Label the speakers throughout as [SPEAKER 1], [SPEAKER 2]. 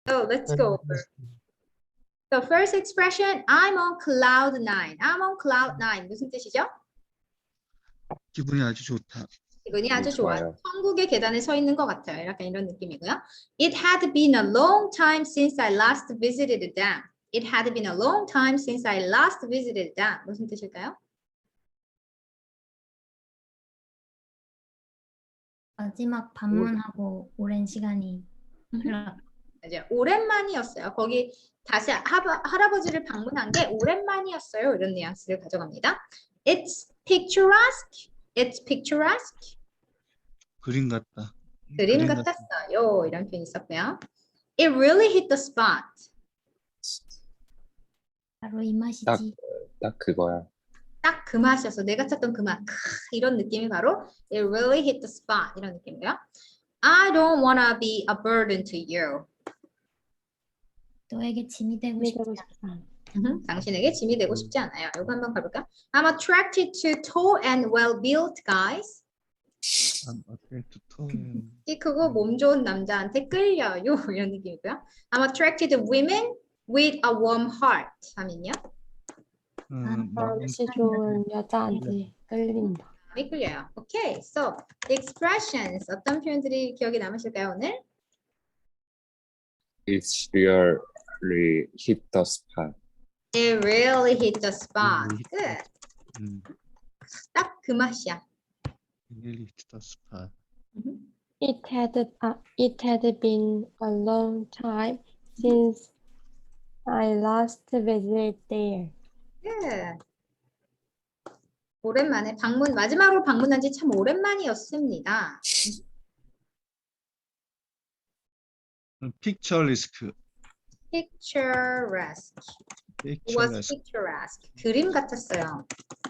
[SPEAKER 1] So let's go over. The first expression, I'm on cloud nine. I'm on cloud nine. 무슨 뜻이죠?
[SPEAKER 2] 기분이 아주 좋다.
[SPEAKER 1] 기분이 아주 좋아요.
[SPEAKER 3] 좋아요.
[SPEAKER 1] 천국의 계단에 서 있는 것 같아요. 약간 이런 느낌이고요. It had been a long time since I last visited them. It had been a long time since I last visited them. 무슨 뜻일까요?
[SPEAKER 4] 마지막 방문하고 오랜 시간이 흘러.
[SPEAKER 1] 이제 오랜만이었어요. 거기 다시 할아버지를 방문한 게 오랜만이었어요. 이런 뉘앙스를 가져갑니다. It's picturesque. It's picturesque.
[SPEAKER 2] 그림 같다.
[SPEAKER 1] 그림 같았어요. 이런 표현이 있었고요. It really hit the spot.
[SPEAKER 4] 바로 이 맛이지.
[SPEAKER 3] 딱 그거야.
[SPEAKER 1] 딱 그 맛이었어. 내가 찾던 그 맛. 이런 느낌이 바로 It really hit the spot. 이런 느낌이고요. I don't wanna be a burden to you.
[SPEAKER 4] 너에게 짐이 되고 싶지 않아.
[SPEAKER 1] 당신에게 짐이 되고 싶지 않아요. 이거 한번 가볼까요? I'm attracted to tall and well-built guys. 키 크고 몸 좋은 남자한테 끌려요. 이런 느낌이고요. I'm attracted to women with a warm heart. 하면요.
[SPEAKER 5] 마음씨 좋은 여자한테 끌린다.
[SPEAKER 1] 마음이 끌려요. Okay, so the expressions 어떤 표현들이 기억에 남으실까요 오늘?
[SPEAKER 3] It's really hit the spot.
[SPEAKER 1] It really hit the spot. Good. 딱 그 맛이야.
[SPEAKER 2] Really hit the spot.
[SPEAKER 5] It had been a long time since I last visited there.
[SPEAKER 1] Good. 오랜만에 마지막으로 방문한 지 참 오랜만이었습니다.
[SPEAKER 2] Picturesque.
[SPEAKER 1] Picturesque. It was picturesque. 그림 같았어요.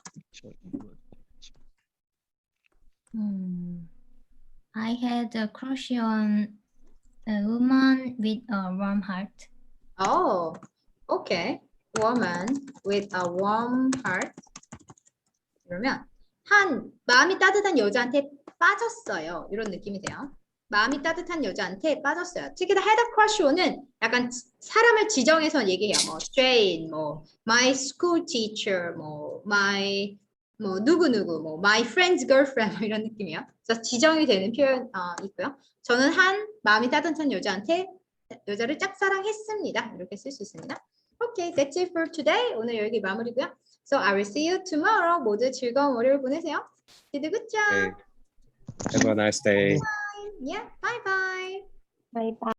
[SPEAKER 4] I had a crush on a woman with a warm heart.
[SPEAKER 1] Oh, okay. Woman with a warm heart. 그러면 마음이 따뜻한 여자한테 빠졌어요. 이런 느낌이 돼요. 마음이 따뜻한 여자한테 빠졌어요. 특히 had a crush on은 약간 사람을 지정해서 얘기해요. 뭐 Jane, 뭐 my school teacher, 뭐 my 뭐 누구누구, 뭐 my friend's girlfriend 뭐 이런 느낌이에요. 그래서 지정이 되는 표현 있고요. 저는 마음이 따뜻한 여자를 짝사랑했습니다. 이렇게 쓸 수 있습니다. Okay, that's it for today. 오늘 여기 마무리고요. So I will see you tomorrow. 모두 즐거운 월요일 보내세요. Did a good job.
[SPEAKER 3] Have a nice day.
[SPEAKER 1] Yeah, bye bye.
[SPEAKER 5] 바이바이.